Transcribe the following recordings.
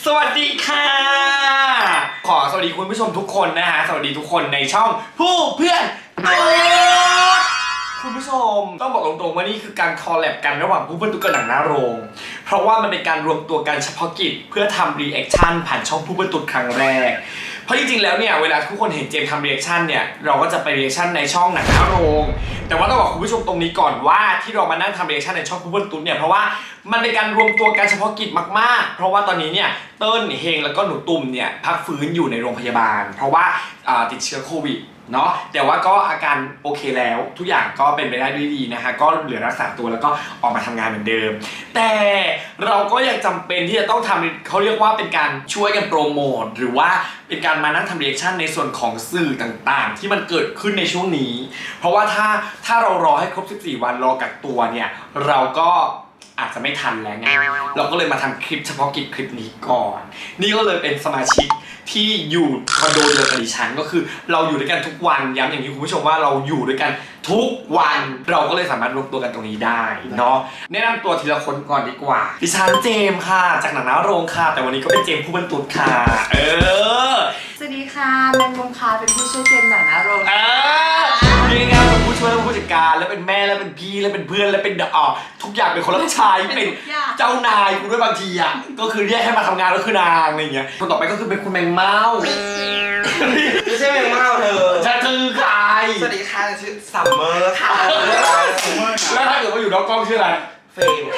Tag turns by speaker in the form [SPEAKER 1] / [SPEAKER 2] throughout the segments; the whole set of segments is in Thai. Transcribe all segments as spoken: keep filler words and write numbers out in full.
[SPEAKER 1] สวัสดีค่ะขอสวัสดีคุณผู้ชมทุกคนนะฮะสวัสดีทุกคนในช่องผู้เพื่อนตุ๊ดคุณผู้ชมต้องบอกตรงๆว่านี่คือการคอลแลบกันระหว่างผู้เพื่อนตุ๊ดกับหนังหน้าโรงเพราะว่ามันเป็นการรวมตัวกันเฉพาะกิจเพื่อทำรีแอคชั่นผ่านช่องผู้เพื่อนตุ๊ดครั้งแรกเพราะจริงๆแล้วเนี่ยเวลาทุกคนเห็นเจมทำรีแอคชั่นเนี่ยเราก็จะไปรีแอคชั่นในช่องหนังหน้าโรงแต่ว่าต้องบอกคุณผู้ชมตรงนี้ก่อนว่าที่เรามานั่งทำรีแอคชั่นในช่องผู้เพื่อนตุ๊ดเนี่ยเพราะว่ามันเป็นการรวมตัวกันเฉพาะกิจมากๆเพราะว่าตอนนี้เนี่ยเติ้ลเฮงแล้วก็หนูตุ่มเนี่ยพักฟื้นอยู่ในโรงพยาบาลเพราะว่าติดเชื้อโควิดเนาะแต่ว่าก็อาการโอเคแล้วทุกอย่างก็เป็นไปได้ด้วยดีนะฮะก็เหลือรักษาตัวแล้วก็ออกมาทำงานเหมือนเดิมแต่เราก็ยังจำเป็นที่จะต้องทำเขาเรียกว่าเป็นการช่วยกันโปรโมทหรือว่าเป็นการมานั่งทำรีแอคชั่นในส่วนของสื่อต่างๆที่มันเกิดขึ้นในช่วงนี้เพราะว่าถ้าถ้าเรารอให้ครบสิบสี่วันรอกักตัวเนี่ยเราก็อาจจะไม่ทันแล้วไงเราก็เลยมาทำคลิปเฉพาะกิจคลิปนี้ก่อนนี่ก็เลยเป็นสมาชิกที่อยู่คอนโดเดียวกับดิฉันก็คือเราอยู่ด้วยกันทุกวันย้ำอย่างนี้คุณผู้ชมว่าเราอยู่ด้วยกันทุกวันเราก็เลยสามารถรวมตัวกันตรงนี้ได้เนาะแนะนำตัวทีละคนก่อนดีกว่าดิฉันเจมค่ะจากหนังหน้าโรงค่ะแต่วันนี้ก็เป็นเจมผู้บรรทุกค่ะเออ
[SPEAKER 2] สวัสดีค่ะแมงมุมค่ะเป็นผู้ช่วยเจมหนังหน้าโรง
[SPEAKER 1] เออนี่ไงเป็นผู้ช่วยและผู้จัดการแล้วเป็นแม่แล้วเป็นพี่แล้วเป็นเพื่อนแล้วเป็นเอ่อทุกอย่างเป็นคนรับใช้เป็นเจ้านายกูด้วยบางทีอ่ะก็คือเรียกให้มาทำงานก็คือนางอะไรอย่างเงี้ยคนต่อไปก็คือเป็นคุณแมงเม่า
[SPEAKER 3] ไม่ใช่แมงเม่าเธอ
[SPEAKER 1] ฉันคือใคร
[SPEAKER 3] สวัสดีค่ะชื่อซัมเมอร์ค่ะ
[SPEAKER 1] แล้วถ้าเกิดว่าอยู่นอกกล้องชื่ออะไร
[SPEAKER 3] เฟรม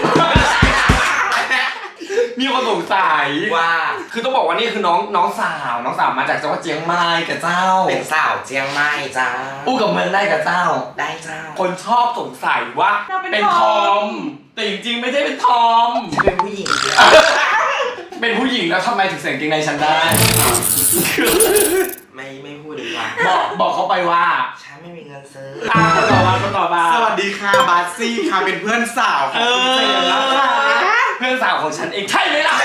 [SPEAKER 1] มีคนสงสัย
[SPEAKER 3] ว่า
[SPEAKER 1] คือต้องบอกว่านี่คือน้องน้องสาวน้องสาวมาจากจังหวัดเชียงใหม่กับเจ้า
[SPEAKER 3] เป็นสาวเชียงใหม่จ้า
[SPEAKER 1] อู้กับเมืองได้กับเจ้า
[SPEAKER 3] ได้เจ้า
[SPEAKER 1] คนชอบสงสัยว่าเป็นทอมแต่จริงๆไม่ใช่เป็นทอม
[SPEAKER 3] เป็นผู้หญิง
[SPEAKER 1] เป็นผู้หญิงแล้วทำไมถึงใส่กางเกงในฉันได้
[SPEAKER 3] ไม่ไม่พูดดีกว่า
[SPEAKER 1] บอกบอกเขาไปว่า
[SPEAKER 3] ฉันไม่มีเงินซื้อ
[SPEAKER 1] อ่าต่อมาต่อมา
[SPEAKER 4] สวัสดีค่ะบาสซี่ค่ะเป็นเพื่อนสาวของคุณเจมนะคะ
[SPEAKER 1] เพื่อนสาวของฉันเองใช่ไหมล่ะ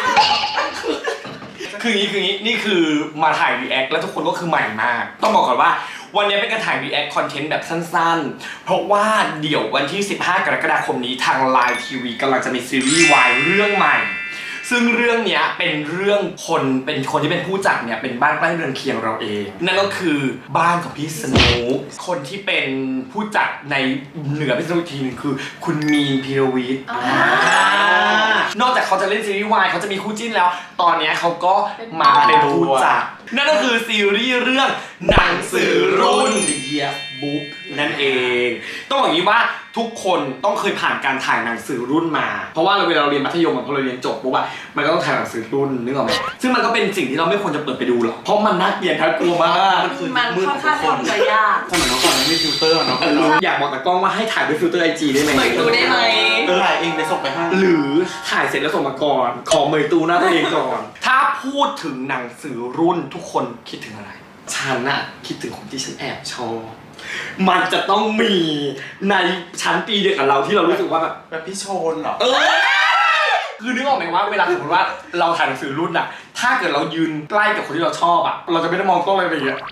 [SPEAKER 1] คืออย่างนี้คืออย่างนี้นี่คือมาถ่ายรีแอคแล้วทุกคนก็คือใหม่มากต้องบอกก่อนว่าวันนี้เป็นการถ่ายรีแอคคอนเทนต์แบบสั้นๆเพราะว่าเดี๋ยววันที่สิบห้ากรกฎาคมนี้ทาง ไลน์ ที วี กำลังจะมีซีรีส์วายเรื่องใหม่ซึ่งเรื่องนี้เป็นเรื่องคนเป็นคนที่เป็นผู้จัดเนี่ยเป็นบ้านใกล้เรือนเคียงเราเองนั่นก็คือบ้านของพี่สนุกคนที่เป็นผู้จัดในเหนือพี่สนุกทีนึงคือคุณมีนพีรวิทย์นอกจากเขาจะเล่นซีรีส์วายเขาจะมีคู่จิ้นแล้วตอนนี้เขาก็มาเป็นผู้จัดนั่นก็คือซีรีส์เรื่องหนังสือรุ่น The Year Book นั่นเองต้องบอกอย่างนี้ว่าทุกคนต้องเคยผ่านการถ่ายหนังสือรุ่นมาเพราะว่าเวลาเราเรียนมัธยมพอเราเรียนจบปุ๊บอะมันก็ต้องถ่ายหนังสือรุ่นนึกออกไหมซึ่งมันก็เป็นสิ่งที่เราไม่ควรจะเปิดไปดูหรอกเพราะมันน่าเกลียดน่ากลัวมาก
[SPEAKER 2] มันค่อนข้างทำใจยาก
[SPEAKER 4] สมัยน้องก่อนไม่มีฟิลเตอร์เนาะ
[SPEAKER 1] อยากบอกแต่กล้องว่าให้ถ่ายด้วยฟิลเตอร์ไอจีได้ไหม
[SPEAKER 2] เปิดดูได้ไหม
[SPEAKER 4] เออถ่ายเองไปส่งไปให้
[SPEAKER 1] หรือถ่ายเสร็จแล้วส่งมาก่อนขอเมยตูหน้าตัวเองก่อนถ้าพูดถึงหนังสือรุ่นทุกคนคิดถึงอะไรฉันน่ะคิดถึงคนที่ฉันแอบชอบมันจะต้องมีในชั้นปีเดียวกับเราที่เรารู้สึกว่าแบบ
[SPEAKER 4] แบบพี่โชนเหรอ
[SPEAKER 1] เออคือนึกออกไหมว่าเวลาสมมติว่าเราถ่ายหนังสือรุ่นอะถ้าเกิดเรายืนใกล้กับคนที่เราชอบอะเราจะไม่ได้มองกล้องอะไรแบบนี้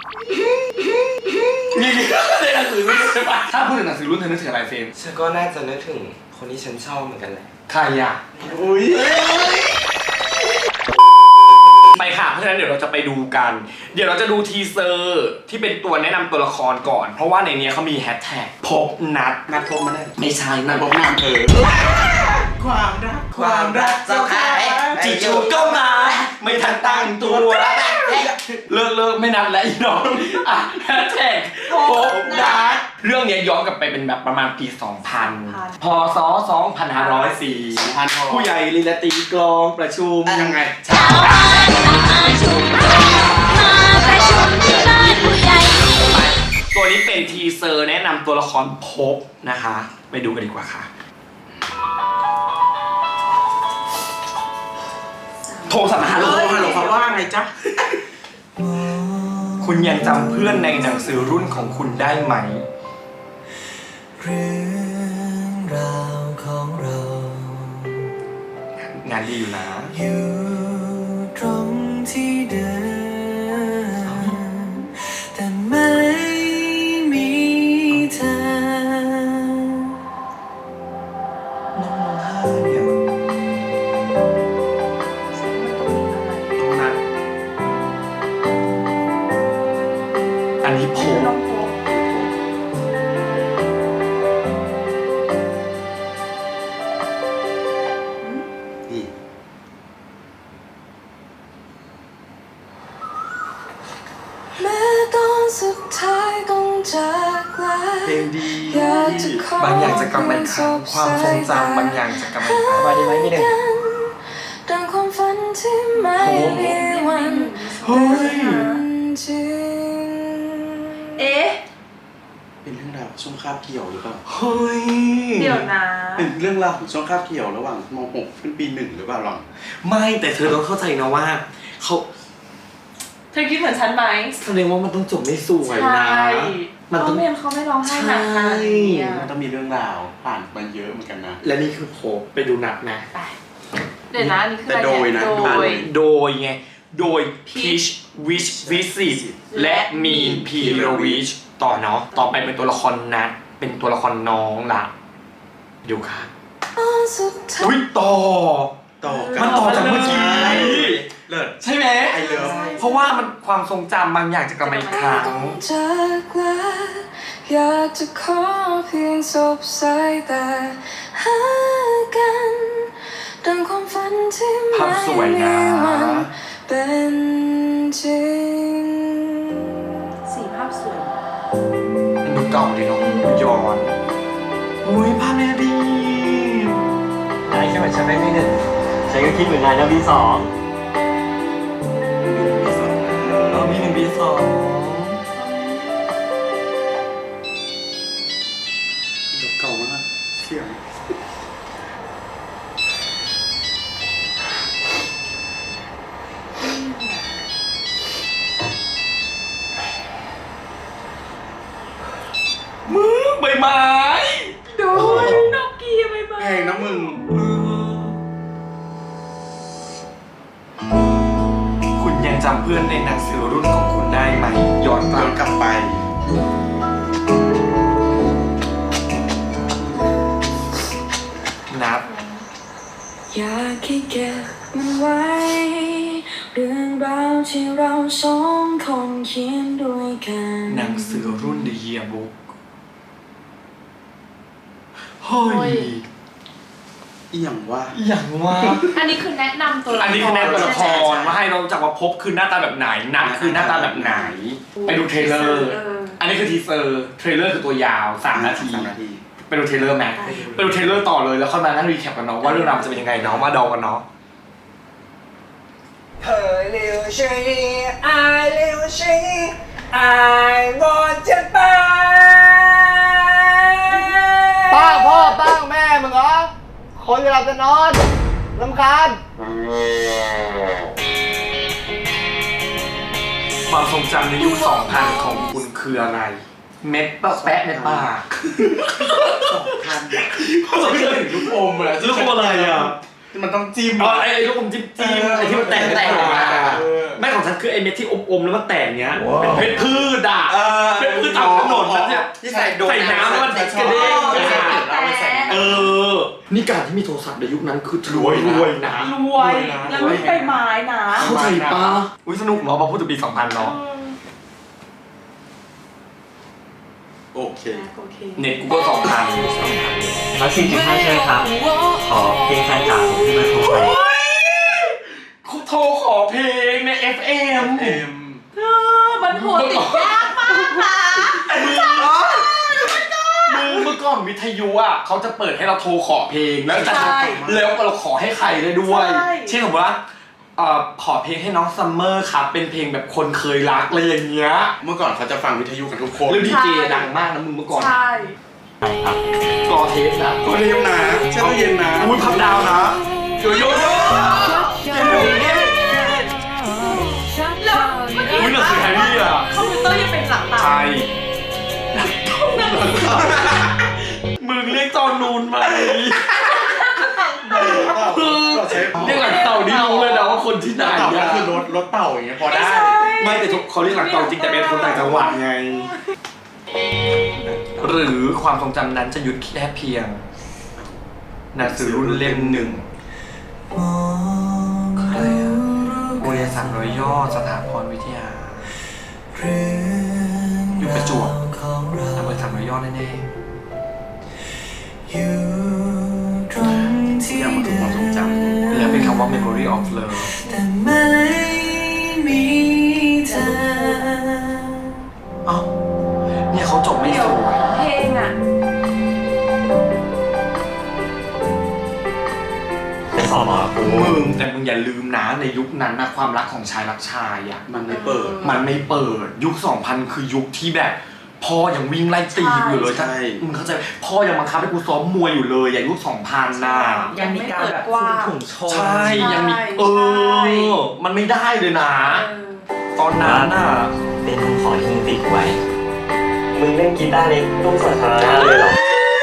[SPEAKER 1] นี่ในหนังสือรุ่นใช่ปะถ้าพูดถึงหนังสือรุ่นเธอนึกถึงอะไรเฟรม
[SPEAKER 3] ฉันก็น่าจะนึกถึงคนที่ฉันชอบเหมือนกันแหละ
[SPEAKER 1] ใครอะอุ้ยไปค่ะเพราะฉะนั้นเดี๋ยวเราจะไปดูกันเดี๋ยวเราจะดูทีเซอร์ที่เป็นตัวแนะนำตัวละครก่อนเพราะว่าในนี้เขามีแฮชแท็กพบนัด
[SPEAKER 4] นัดพบมาได้
[SPEAKER 1] ไม่ใช่นัดพบ
[SPEAKER 4] น
[SPEAKER 1] ามเออ
[SPEAKER 4] ความรัก
[SPEAKER 3] ความรักเจ้าค่ะ
[SPEAKER 1] จู่ๆก็มาไม่ทันตั้งตัวเลิกเลิกไม่นัดแล้วอีน้องอ่ะแฮชแท็กพบนัดเรื่องนี้ย้อนกลับไปเป็นแบบประมาณปีสองพันพศสองพันห้าร้อยสี่ผู้ใหญ่ลีลาตีกลองประชุม
[SPEAKER 4] ยังไง
[SPEAKER 5] ชาวบ้านมาชุมนุมมาประชุมที่บ้านผู้ใหญ่
[SPEAKER 1] ตัวนี้เป็นทีเซอร์แนะนำตัวละครพบนะคะไปดูกันดีกว่าค่ะโทรศัพท์มาฮัลโหล
[SPEAKER 4] ฮัลโหลเขาว่าไงจ๊ะ
[SPEAKER 1] คุณยังจำเพื่อนในหนังสือรุ่นของคุณได้ไหม
[SPEAKER 6] เรื่องราวของเรา
[SPEAKER 1] งานดีอยู่นะ
[SPEAKER 6] อยู่ตรงที่เดิมแต่ไม่มีเธอ
[SPEAKER 1] น้องร้องไห้เนี่ย
[SPEAKER 6] สุดท้ายต้องจากลา
[SPEAKER 4] เพลงดี
[SPEAKER 6] อยากจะขอบ
[SPEAKER 1] างอย่างจะกลับมาอีกครั้งความทรงจำบางอย่างจะกลับมาอีกครั้งมาดีไหมพี่หนึ่ง
[SPEAKER 6] ดังความฝันที่ไม่มีวัน
[SPEAKER 1] เฮ้ย
[SPEAKER 6] เป็นจริง
[SPEAKER 2] เอ๊ะ
[SPEAKER 4] เป็นเรื่องราวของช่วงคาบเกี่ยวหรือเปล่า
[SPEAKER 1] เฮ้ย
[SPEAKER 2] เดี๋ยวนะ
[SPEAKER 4] เป็นเรื่องราวของช่วงคาบเกี่ยวระหว่างม .หก ขึ้นปีหนึ่งหรือเปล่าหรอ
[SPEAKER 1] ไม่แต่เธอต้องเข้าใจนะว่าเขา
[SPEAKER 2] เธอคิดเหมือนฉันไหม
[SPEAKER 1] แสดงว่ามันต้องจบไม่สวยนะ มัน
[SPEAKER 2] เขา
[SPEAKER 1] ต้อง
[SPEAKER 2] ไม่เขาไม่ร้องไห้หนักขนาดนี้อะ
[SPEAKER 4] มันต้องมีเรื่องราวผ่านมาเยอะเหมือนกันนะ
[SPEAKER 1] และนี่คือโผไปดูหนักนะ
[SPEAKER 2] ไปเดี๋ยวนะอันนี่คือ
[SPEAKER 4] แต่
[SPEAKER 2] อะไร
[SPEAKER 4] โดยนะ
[SPEAKER 2] โด
[SPEAKER 1] อ่ะ
[SPEAKER 2] ย
[SPEAKER 1] โดยไง โดย Peach Wish Visit และมีนพีโรวิชต่อเนาะ ต่อไปเป็นตัวละครนัด เป็นตัวละครน้องละดูค่ะ
[SPEAKER 6] สุดท้าย
[SPEAKER 1] อุ้ยต่อ
[SPEAKER 4] ต่อกั
[SPEAKER 1] มันต่อจากเมื่อกี้
[SPEAKER 4] เลิศ
[SPEAKER 1] ใช่ไหม
[SPEAKER 4] ไอเลิฟ
[SPEAKER 1] เพราะว่ามันความทรงจำบางอย่างจะกลับมาอีกครั้ง
[SPEAKER 6] จากลาอยากจะขอเพียงสบสายตาหากันดังความฝันที่
[SPEAKER 1] ภา
[SPEAKER 6] ไม่
[SPEAKER 1] พสวย
[SPEAKER 6] มี
[SPEAKER 1] นะ
[SPEAKER 6] วันเป็นจริง
[SPEAKER 2] สีภาพสวย
[SPEAKER 1] ดูเก่าดิเนาะดูย้อนอุ้ยภาพเนี่ยดี
[SPEAKER 3] นายแค่เหมือนฉันไม่ไม่หนึ่งฉันก็คิดเหมือนนายนะบีสอง
[SPEAKER 1] เออมีหนึ่งปีสอง
[SPEAKER 4] เก่ามากเสียง
[SPEAKER 1] มือใบไม้
[SPEAKER 2] โดยนกกีไปบ้า
[SPEAKER 4] เพลงนะมึง
[SPEAKER 1] คุณยังจำเพื่อนในหนังสือรุ่นของคุณได้ไหมย้อนก
[SPEAKER 4] ย้
[SPEAKER 1] ลั
[SPEAKER 4] อบ นกลับไป
[SPEAKER 1] นับ
[SPEAKER 6] อยากให้เก็บมันไว้ เรื่องราวที่เราสองคนเขียนด้วยกัน
[SPEAKER 1] หนังสือรุ่น The Yearbook เฮ้
[SPEAKER 2] โอ้
[SPEAKER 1] ย
[SPEAKER 2] ย
[SPEAKER 4] อีหยังว่า
[SPEAKER 1] อย่างว่า
[SPEAKER 2] อันนี้คือแนะนำตัวละคร
[SPEAKER 1] อันนี้คือแนวตัวละค
[SPEAKER 2] ใช่ไหม
[SPEAKER 1] รว่าให้เรารู้จักว่าพบคือหน้าตาแบบไหนนัดคือหน้าตาแบบไหน ไปดูเทรลเลอร์
[SPEAKER 2] เออ
[SPEAKER 1] อันนี้คือทีเซอร์เทรลเลอร์คือตัวยาวสามนาที
[SPEAKER 4] สามนาที
[SPEAKER 1] ไปดูเทรลเลอร์ไหมไปดูเทรลเลอร์ต่อเลยแล้วค่อยมานั่งรีแคปกันเนาะว่าเรื่องราวมันจะเป็นยังไงเนาะมาเดากันเนาะ
[SPEAKER 3] เฮ้ยเร็วชีไอเร็วชีไอหมดจะไป
[SPEAKER 7] ป้าพ่อตั้งแม่มึงเหรอ คนจะหลับจะนอนรำคาญ
[SPEAKER 1] ความทรงจำในยุคสองพันของคุณคืออะไร เม็ดปะแปะในปาก
[SPEAKER 4] ทันเขาจะถึงลูกอมเลย
[SPEAKER 1] ลูกอมอะไรอ่ะ
[SPEAKER 4] ที่มันต้องจิ้ม
[SPEAKER 1] อ๋อไอ้ไอ้ลูกอมจิ้มจิ้มไอ้ที่มันแตกแตกอ่ะไม่ของฉันคือไอ้เม็ดที่อมๆแล้วมันแตกเนี้ยเป็นเพชรพืชอ่ะ
[SPEAKER 4] เออ
[SPEAKER 1] เป็นพืชตามถนนนะเนี่ย
[SPEAKER 4] ที่ใส่โดน
[SPEAKER 1] ใส่น้ำแล้วมันกระเด้ง
[SPEAKER 4] เราไปใส่
[SPEAKER 1] เออ นี่การที่มีโทรศัพท์ในยุคนั้นคือรวยรวยนะ
[SPEAKER 2] รวยแล้วไม่ไปไม้นะ
[SPEAKER 1] เข้าใจปะอุ้ยสนุกเนาะพอพูดถึงปีสองพันเนาะ
[SPEAKER 4] โอเค
[SPEAKER 2] โอเค
[SPEAKER 1] เน็ตกูก็สองพัน
[SPEAKER 3] แล้วสี่จุดห้าใช่ไหมครับ ขอเพลงแฟนจ๋าผมที่มาโทรไป
[SPEAKER 1] กูโทรขอเพลงใน เอฟ เอ็ม
[SPEAKER 4] เอ็ม
[SPEAKER 2] เออมันโหดติดยากมากนะ
[SPEAKER 1] มึงเมื่อก่อนวิทยุอ่ะเขาจะเปิดให้เราโทรขอเพลงแล้วจะแล้วเราขอให้ใครได้ด้วย เช่นสมมติว่าเอ่อขอเพลงให้น้องซัมเมอร์ครับเป็นเพลงแบบคนเคยรักอะไรอย่างเงี้ย
[SPEAKER 4] เมื่อก่อนเขาจะฟังวิทยุกันทุกคน
[SPEAKER 1] แล้วดีเจดังมากนะมึงเมื่อก่อน
[SPEAKER 2] ใช่
[SPEAKER 3] ใช่ครับ
[SPEAKER 1] กอเทปนะ
[SPEAKER 4] ก็เรียมนะเช่ตู้เย็นนะ
[SPEAKER 1] อุ้ยพับดาวนะโยโย่
[SPEAKER 2] แล้วเมื่อกี้
[SPEAKER 1] อุ้ยหนังสือแฮร์รี่อ่ะ
[SPEAKER 2] คอมพิวเตอร์ยังเป็นหลังตา
[SPEAKER 1] ใช่มึงเรียกจอนูนไหม
[SPEAKER 4] เราใช้
[SPEAKER 1] เรียกหลังเต่านี่รู้เลยนะว่าคนที่ไหน
[SPEAKER 4] เต่าก็
[SPEAKER 1] อะ
[SPEAKER 4] คือรถรถเต่าอย่างเงี้ยพอได้
[SPEAKER 1] ไม่แต่ทุกเขาเรียกหลังเต่าจริงแต่เป็นคนต่างจังหวัดไง หรือความทรงจำนั้นจะหยุดแค่เพียงหนังสือรุ่นเล่มหนึ่งอะไรอะโรงเรียนสามร้อยย่อสถาพรวิทยา อยู่ประจวบอำเภอสามร้อยย่อแน่
[SPEAKER 6] อยู่ตรงที่
[SPEAKER 4] อยากมาถึงความทรงจ
[SPEAKER 1] ๆแล้วเป็นคำว่า memory of love
[SPEAKER 6] แต่ไม่มีเธอ
[SPEAKER 1] เอ้าเนี่ยเขาจบไม่สวย
[SPEAKER 2] เพลงอ่ะ
[SPEAKER 8] ไปสอบหมอกู
[SPEAKER 1] มึงแต่มึงอย่าลืมนะในยุคนั้นนะความรักของชายรักชายอ่ะ
[SPEAKER 4] มันไม่เปิด
[SPEAKER 1] มันไม่เปิดยุคสองพันคือยุคที่แบบพ่อยังวิ่งไล่ตีอยู่เลย
[SPEAKER 4] ใช่
[SPEAKER 1] มึงเข้าใจพ่อยังบังคับให้กูซ้อมมวยอยู่เลยอย่างยุคสองพันน่ะ
[SPEAKER 3] ยังมีการแบบคุมถุงชน
[SPEAKER 1] ใช่ยังมี
[SPEAKER 2] ใช่
[SPEAKER 1] เออมันไม่ได้เลยนะ
[SPEAKER 2] เออ
[SPEAKER 1] ตอนนั้นน่ะ
[SPEAKER 8] เป็นของที่มึงติดไว้ มึงเล่นกีตาร์ในตู้สาธารณะเลยเหรอ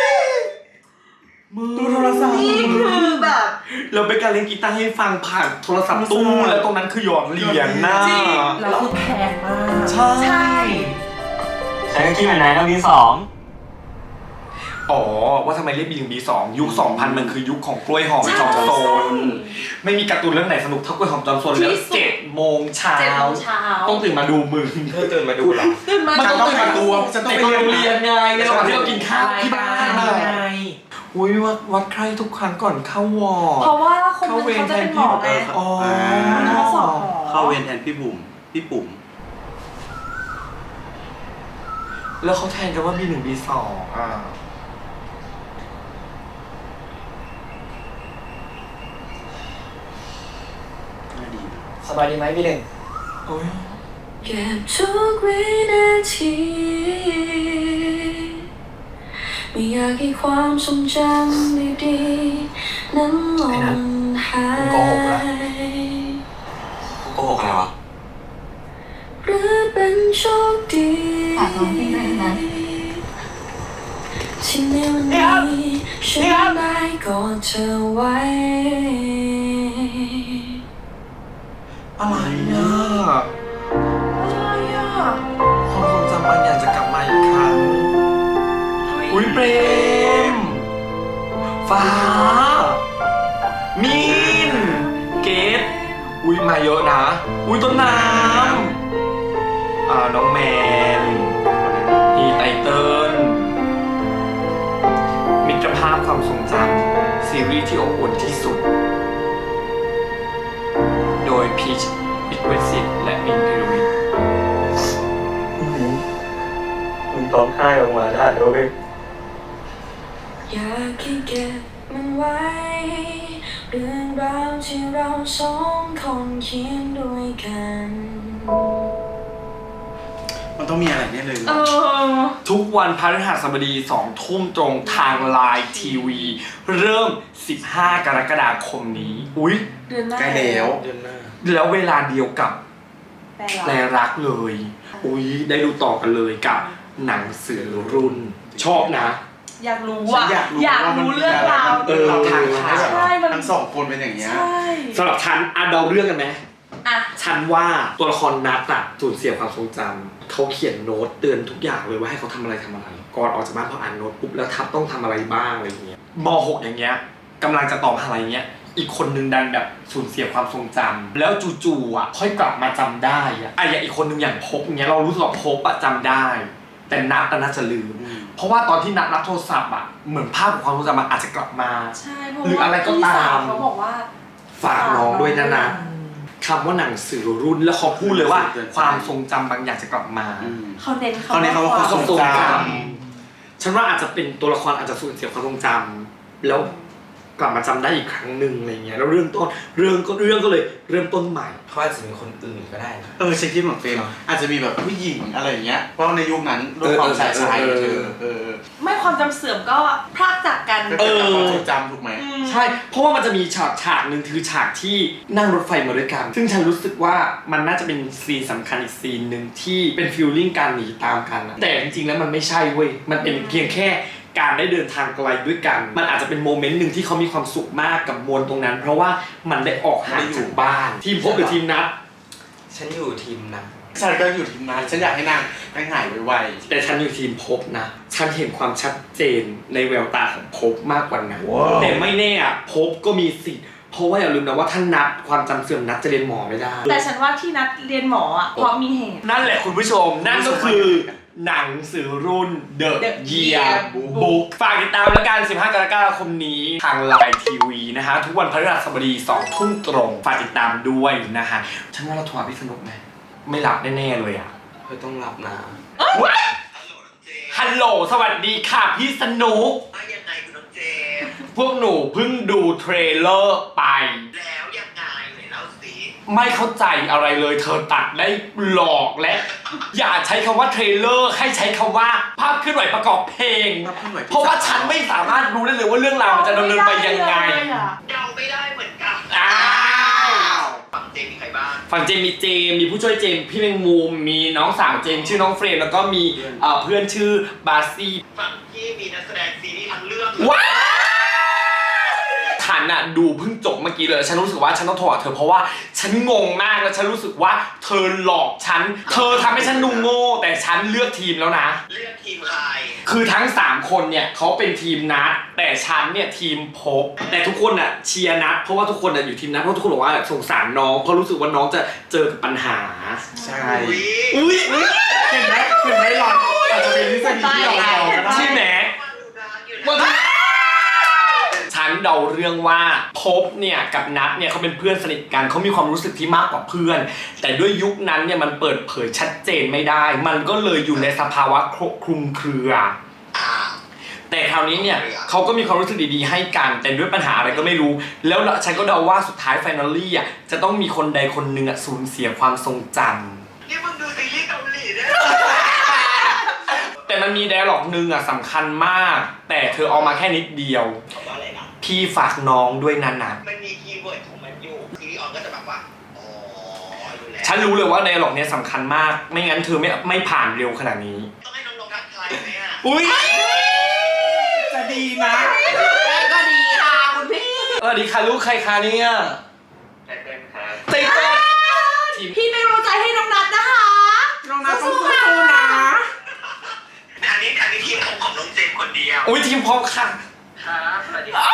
[SPEAKER 4] ดูโทรศัพท์
[SPEAKER 2] นี่คือแบบ
[SPEAKER 1] เราไปการเล่นกีตาร์ให้ฟังผ่านโทรศัพท์ตู้แล้วตรงนั้นคือหยอดเหรียญนะ
[SPEAKER 2] จริง
[SPEAKER 3] แล้วคือแพงมาก
[SPEAKER 1] ใช่
[SPEAKER 2] ใช่
[SPEAKER 8] ฉันก็คิดเหมือนนายต้องมีสอง
[SPEAKER 1] อ๋อว่าทำไมเรียกบีหนึ่งบีสองยุคสองพันมันคือยุคของกล้วยหอมจอมโซนไม่มีการ์ตูนเรื่องไหนสนุกเท่ากล้วยหอมจอมโซนแล้วเจ็ดโมงเช้า
[SPEAKER 2] เจ็ดโมงเช้า
[SPEAKER 1] ต้องตื่นมาดูมึง
[SPEAKER 8] เธอตื่นมาดูเหรอ
[SPEAKER 2] ตื่นมา
[SPEAKER 1] มัน
[SPEAKER 4] ฉัน
[SPEAKER 1] ต้
[SPEAKER 4] ต้
[SPEAKER 1] อ
[SPEAKER 4] อง ง
[SPEAKER 1] ตื่น
[SPEAKER 4] มา
[SPEAKER 1] มา
[SPEAKER 4] ดู
[SPEAKER 1] ดู
[SPEAKER 4] ฉันต้อง
[SPEAKER 1] ไป
[SPEAKER 4] ไป
[SPEAKER 1] โร
[SPEAKER 4] เรียน
[SPEAKER 1] งเรียนไงในระหว่างที่เรากินข้าวที่บ้าน
[SPEAKER 3] ยั
[SPEAKER 1] น่ะ
[SPEAKER 3] งไง
[SPEAKER 1] อุ้ยวัดวัดใครทุกครั้งก่อนเข้าวอร์ด
[SPEAKER 2] เพราะว่าคน
[SPEAKER 1] เข้า
[SPEAKER 2] นึง
[SPEAKER 1] เวร
[SPEAKER 2] เขา
[SPEAKER 1] แท
[SPEAKER 2] จะ
[SPEAKER 1] น
[SPEAKER 2] เป็นหม
[SPEAKER 1] พี่
[SPEAKER 2] อไง
[SPEAKER 1] อ๋อ
[SPEAKER 2] มันเขาสอบหมอ
[SPEAKER 4] เข้าเวรแทนพี่บุ๋มพี่ปุ๋ม
[SPEAKER 1] แล้วเขาแทนกันว่าบีหนึ่งบีสองอ่ะ
[SPEAKER 4] น่าดี
[SPEAKER 3] สบายดีไหมพี่หนึ่ง
[SPEAKER 1] โอ้ย
[SPEAKER 6] เก็บทุกวินาทีไม่อยากให้ความทรงจำดีๆนั้นหล่นหาย
[SPEAKER 8] โกหกอะไรวะ
[SPEAKER 6] หรือเป็นโชคดี
[SPEAKER 5] ฝากร้องเพลงด้วยนะ
[SPEAKER 6] ที่ในวันนี้ฉันได้กอดเธอไว้
[SPEAKER 1] อะไรอ่ะ
[SPEAKER 2] อะไรอ่ะ
[SPEAKER 1] ความทรงจำบางอย่างจะกลับมาอีกครั้ง อุ้ยเปรม ฟ้า มีน เกตอุ้ยมาเยอะนะ อุ้ยต้นน้ำอ่าน้องแมนอีไตเติ้ลมิตรภาพความทรงจำซีรีส์ที่อบอุ่นที่สุด โดยพีชวิทเวสิตและมินพิรวิทย์
[SPEAKER 8] มึงร้องไห้ออกมาได้ด้วย
[SPEAKER 6] อยากให้เก็บมันไว้ เรื่องราวที่เราสองคนเขียนด้วยกัน
[SPEAKER 4] มันต้องมีอะไรแน่เลย
[SPEAKER 2] เออ
[SPEAKER 1] ทุกวันพฤหัสบดีสองทุ่มตรงทางไลน์ทีวี เริ่ม สิบห้ากรกฎาคมนี้ อุ๊ย
[SPEAKER 2] เดือนหน้า
[SPEAKER 4] ใกล้แล้ว
[SPEAKER 8] เดือนหน้า
[SPEAKER 1] แล้วเวลาเดียวกับ
[SPEAKER 2] แปล
[SPEAKER 1] แปล
[SPEAKER 2] ว่า
[SPEAKER 1] รักเลย อุ๊ย ได้ดูต่อกันเลยกับหนังสือรุ่น ชอบนะ
[SPEAKER 2] อยากรู้
[SPEAKER 4] ฉั
[SPEAKER 2] อ่ะ
[SPEAKER 4] นอยากรู้
[SPEAKER 2] อยาก
[SPEAKER 4] ว่ามัน
[SPEAKER 2] รู้
[SPEAKER 4] มี
[SPEAKER 2] เรื่อง
[SPEAKER 4] อะไร
[SPEAKER 2] ราว
[SPEAKER 4] มันเป็นเราทางให้แบบ
[SPEAKER 2] ใช่มัน
[SPEAKER 4] ทั้งสองคนเป็นอย่างเงี้ย
[SPEAKER 2] ใช่
[SPEAKER 1] สำหรับฉันอ่ะเดาเรื่องกันไหม
[SPEAKER 2] อ่ะ
[SPEAKER 1] ฉันว่าตัวละครนัทอะสูญเสียความทรงจำเขาเขียนโน้ตเตือนทุกอย่างเลยว่าให้เขาทำอะไรทำอะไร ก่อนออกจากบ้านพออ่านโน้ตปุ๊บแล้วทับต้องทำอะไรบ้างอะไรอย่างเงี้ยม หกอย่างเงี้ยกำลังจะต่อมหาลัยเงี้ยอีกคนนึงดันแบบสูญเสียความทรงจำแล้วจู่ๆอ่ะค่อยกลับมาจำได้อะไอ้อย่างอีกคนนึงอย่างพบเงี้ยเรารู้สึกว่าพบอะจำได้ แต่นัทน่าจะลืม เพราะว่าตอนที่นัทรับโทรศัพท์อะเหมือนภาพของความทรงจำมันอาจจะกลับมา
[SPEAKER 2] ใช่เพราะ
[SPEAKER 1] หรือ
[SPEAKER 2] ว่า
[SPEAKER 1] อะไรก็ตาม
[SPEAKER 2] พี่สวเขาบอกว่า
[SPEAKER 1] ฝากน้องด้วยนะนะคำว่าหนังสือรุ่นแล้วเขาพูดเลยว่า ความทรงจำบางอย่างจะกลับมา
[SPEAKER 4] อืม
[SPEAKER 2] เขาเน้น
[SPEAKER 4] เขาเน้นคำว่าความทรงจ
[SPEAKER 1] ฉันว่าอาจจะเป็นตัวละครอาจจะสูญเสียความทรงจำแล้วกลับมาจำได้อีกครั้งหนึ่งอะไรเงี้ยแล้วเรื่องต้นเรื่องก็เรื่องก็เลยเริ่มต้นใหม่
[SPEAKER 8] เขาอาจจะมีคนอื่นก็ได้นะ
[SPEAKER 4] เออฉันคิดเหมือนเฟรมอาจจะมีแบบผู้หญิงอะไรอย่างเงี้ยเพราะในยุคนั้นด้วยความชายชายเธอเออ
[SPEAKER 2] ไม่ความจำเสื่อมก็พลากจากกัน
[SPEAKER 4] ก็เกิดจากความทรงจำถูกไหม
[SPEAKER 2] ม
[SPEAKER 1] ใช่เพราะว่ามันจะมีฉากฉากหนึ่งคือฉากที่นั่งรถไฟมาด้วยกัน ซึ่งฉันรู้สึกว่ามันน่าจะเป็นซีนสำคัญอีกซีนหนึ่งที่เป็นฟีลลิ่งการหนีตามกันอะแต่จริงๆแล้วมันไม่ใช่เว้ยมันเป็นเพียงแค่การได้เดินทางไกลด้วยกัน มันอาจจะเป็นโมเมนต์หนึ่งที่เขามีความสุขมากกับมวลตรงนั้น เพราะว่ามันได้ออกห่างจากบ้านทีมพบหรือทีมนัด
[SPEAKER 8] ฉันอยู่ทีมนะ
[SPEAKER 4] ฉันก็อยู่ทีมนั้นฉันอยากให้นางนางหายไว
[SPEAKER 1] แต่ฉันอยู่ทีมพบนะฉันเห็นความชัดเจนในแววตาของพบมากกว่านั้นแต่ไม่แน่อะพบก็มีสิทธิ์เพราะว่าอย่าลืมนะว่าท่านนัดความจำเสื่อมนัดจะเรียนหมอไม่ได้
[SPEAKER 2] แต่ฉันว่าที่นัดเรียนหมออ่ะเพราะมีเหตุ
[SPEAKER 1] นั่นแหละคุณผู้ชม นั่นก็คือหนังสือรุ่น The
[SPEAKER 2] The
[SPEAKER 1] Year
[SPEAKER 2] Year
[SPEAKER 1] Book ฝากติดตามแล้วกัน สิบห้ากรกฎาคมนี้ทางไลน์ทีวีนะฮะ ทุกวันพฤหัสบดีสองทุ่มตรง ฝากติดตามด้วยนะฮะ ฉันว่าเราโทรหาพี่สนุกไหมไม่หลับแน่ๆเลยอ่ะ
[SPEAKER 8] เธอต้องรับนะ
[SPEAKER 2] เ
[SPEAKER 1] ว้ายฮัลโหลสวัสดีค่ะพี่สนุก
[SPEAKER 3] ว่ายังไงคุณน้องเจมส์
[SPEAKER 1] พวกหนูเพิ่งดูเทรลเลอร์ไป
[SPEAKER 3] แล้วยังไงไหนเล่าสิ
[SPEAKER 1] ไม่เข้าใจอะไรเลยเธอตัดได้หลอกและ อย่าใช้คำว่าเทรลเลอร์ให้ใช้คำว่าภาพเคลื่อนไหวประกอบเพลง เพราะว่าฉันไม่สามารถรู้ได้เลยว่าเรื่องราวมันจะดำเนินไปยังไง
[SPEAKER 3] เดาไม่ได้เหมือนกัน
[SPEAKER 1] อ้าว
[SPEAKER 3] ฝั่งเจมส์มีใครบ้าง
[SPEAKER 1] ฝั่งเจมมีเจมมีผู้ช่วยเจมพี่แมงมุมมีน้องสาวเจมชื่อน้องเฟรมแล้วก็มีเอ่อเพื่อนชื่อบาซี่
[SPEAKER 3] ฝั่งที่มีนักแสดงซีรีส์ทั้งเรื่อง
[SPEAKER 1] ว้าวฉันอะดูเพิ่งจบเมื่อกี้เลยฉันรู้สึกว่าฉันต้องโทรหาเธอเพราะว่าฉันงงมากแล้วฉันรู้สึกว่าเธอหลอกฉันเธอทำให้ฉันดูโง่แต่ฉันเลือกทีมแล้วนะ
[SPEAKER 3] เลือกทีมใคร
[SPEAKER 1] คือทั้งสามคนเนี่ยเขาเป็นทีมนัดแต่ฉันเนี่ยทีมพบแต่ทุกคนอะเชียร์นัดเพราะว่าทุกคนอะอยู่ทีมนัดเพราะทุกคนบอกว่าสงสารน้องเพราะรู้สึกว่าน้องจะเจอกับปัญหา
[SPEAKER 4] ใช่
[SPEAKER 3] อุ๊ย
[SPEAKER 1] อุ้ย
[SPEAKER 4] เห็นไหมเห็นไหมหลอนอาจจะเป็นทฤษฎีที่เราเดาก็ได้
[SPEAKER 1] ใช่ไหม
[SPEAKER 3] วันดูนานอยู่นะ
[SPEAKER 1] ฉันเดาเรื่องว่าพบเนี่ยกับนัทเนี่ยเขาเป็นเพื่อนสนิทกันเขามีความรู้สึกที่มากกว่าเพื่อน แต่ด้วยยุคนั้นเนี่ยมันเปิดเผยชัดเจนไม่ได้ มันก็เลยอยู่ในสภาวะคลุมเครือ แต่คราวนี้เนี่ยเขาก็มีความรู้สึกดีๆให้กันแต่ด้วยปัญหาอะไรก็ไม่รู้ แล้วฉันก็เดาว่าสุดท้ายไฟนอลลี่อ่ะจะต้องมีคนใดคนหนึ่งอ่ะสูญเสียความทรงจำ
[SPEAKER 3] นี่มึงดูซีรีส์เกาหลีด้วย
[SPEAKER 1] แต่มันมีไดอะล็อกหนึ่งอ่ะสำคัญมาก แต่เธอเอามาแค่นิดเดียว
[SPEAKER 3] เขาว่าอะไรนะ
[SPEAKER 1] พี่ฝากน้องด้วยนะนะ
[SPEAKER 3] มันมีคีย์เวิร์ดของมันอยู่ซีรีส์ออนก็จะแบบว่าอ๋อรู้แล้ว
[SPEAKER 1] ฉันรู้เลยว่าไดอะล็อกเนี้ยสำคัญมาก ไม่งั้นเธอไม่ไม่ผ่านเร็วขนาดนี้
[SPEAKER 3] ต้องให้น้องๆทักทายไหมอ่ะ
[SPEAKER 1] อุ้ย
[SPEAKER 4] จะดีนะ
[SPEAKER 2] ก็ดีค่ะคุณพี่
[SPEAKER 1] สวัสดีค่ะลูกใครคะเนี่ย
[SPEAKER 3] แต่เป็นครับ
[SPEAKER 1] เต้นทีม
[SPEAKER 2] พี่ไม่รู้ใจให้น้องนัทนะคะ
[SPEAKER 3] น้องนัทต้องสู้ๆนะอันนี้อันนี้ทีมของของน้องเจมส์คนเดียว
[SPEAKER 1] อุ้ยทีมพร้อมค่ะ
[SPEAKER 3] ครับสวัสดีครับ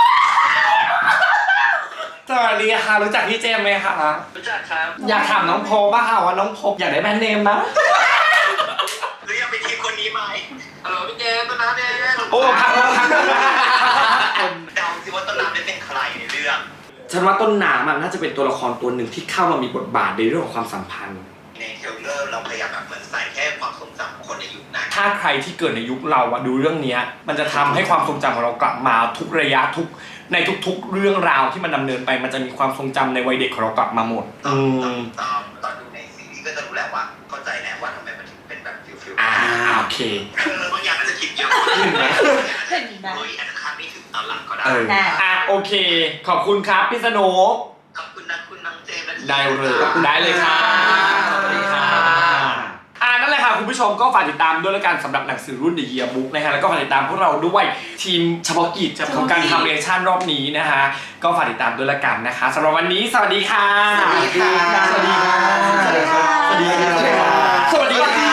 [SPEAKER 1] สวัสดีค่ะรู้จักพี่เจมส์ไหมคะ
[SPEAKER 3] รู้จักครับ
[SPEAKER 1] อยากถามน้องโพบ้างค่ะว่าน้องโพอยากได้แบรนด์เนมนะ
[SPEAKER 3] หรือยังเป็นทีมคนนี้ไหมฮัลโหลพี่เจมส์ต้นน้ำเนี่ย
[SPEAKER 1] โอ้พักพักพัก
[SPEAKER 3] เดาสิว่าต้นน้ำได้เป็นใครในเรื่อง
[SPEAKER 1] ฉันว่าต้นน้ำมันน่าจะเป็นตัวละครตัวหนึ่งที่เข้ามามีบทบาทในเรื่องของความสัมพันธ์
[SPEAKER 3] ในเทรลเลอร์เราพยายามแบบเหมือนใส่แค่ความทรงจำของคนในยุคนั้น
[SPEAKER 1] ถ้าใครที่เกิดในยุคเราอะดูเรื่องเนี้ยมันจะทำให้ความทรงจำของเรากลับมาทุกระยะทุกในทุกๆ เรื่องราวที่มันดำเนินไปมันจะมีความทรงจำในวัยเด็กของเรากลับมาหมด
[SPEAKER 3] ต
[SPEAKER 1] อื
[SPEAKER 3] อน
[SPEAKER 1] ม
[SPEAKER 3] ตอนตอนดูในซีรีส์ก็จะรู้แหละว่าเข้าใจแหละว่าทำไมมันถึงเป็นแบบฟิลฟิล
[SPEAKER 1] อ่าโอเค
[SPEAKER 3] เออบางอย่างอาจจะคิดเยอะ
[SPEAKER 1] เห็นไหม
[SPEAKER 2] เห็นไหม
[SPEAKER 3] เฮ้ยอาจจะคาดไม่ถึงตอนหลังก็ได้
[SPEAKER 1] เอออ่ะโอเค ขอบคุณครับพี่สนุก
[SPEAKER 3] ขอบคุณนะคุณน้องเจมส์และทีม
[SPEAKER 1] ได้เลยได้เลยค่ะสวัสดีค่ะอ่านั่นแหละค่ะคุณผู้ชมก็ฝากติดตามด้วยแล้วกันสำหรับหนังสือรุ่น The Yearbook นะฮะแล้วก็ฝากติดตามพวกเราด้วยทีมเฉพาะกิจของการทำเรียนชั่นรอบนี้นะฮะก็ฝากติดตามด้วยแล้วกันนะคะสำหรับวันนี้สวัสดีค่ะ
[SPEAKER 2] สวัสดีค่ะ
[SPEAKER 1] สวัสดีค่ะ
[SPEAKER 2] สวัสดีค่ะ
[SPEAKER 1] สวัสดีค่ะสวัสดีค่ะ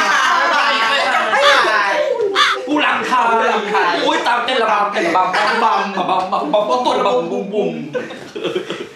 [SPEAKER 1] ผู้หลังค่ะอุ้ยตามเต้นระบำเต้นระบำบัมบัมบัมบัมบัมบัมบัมบัมบุ้มบุ้ม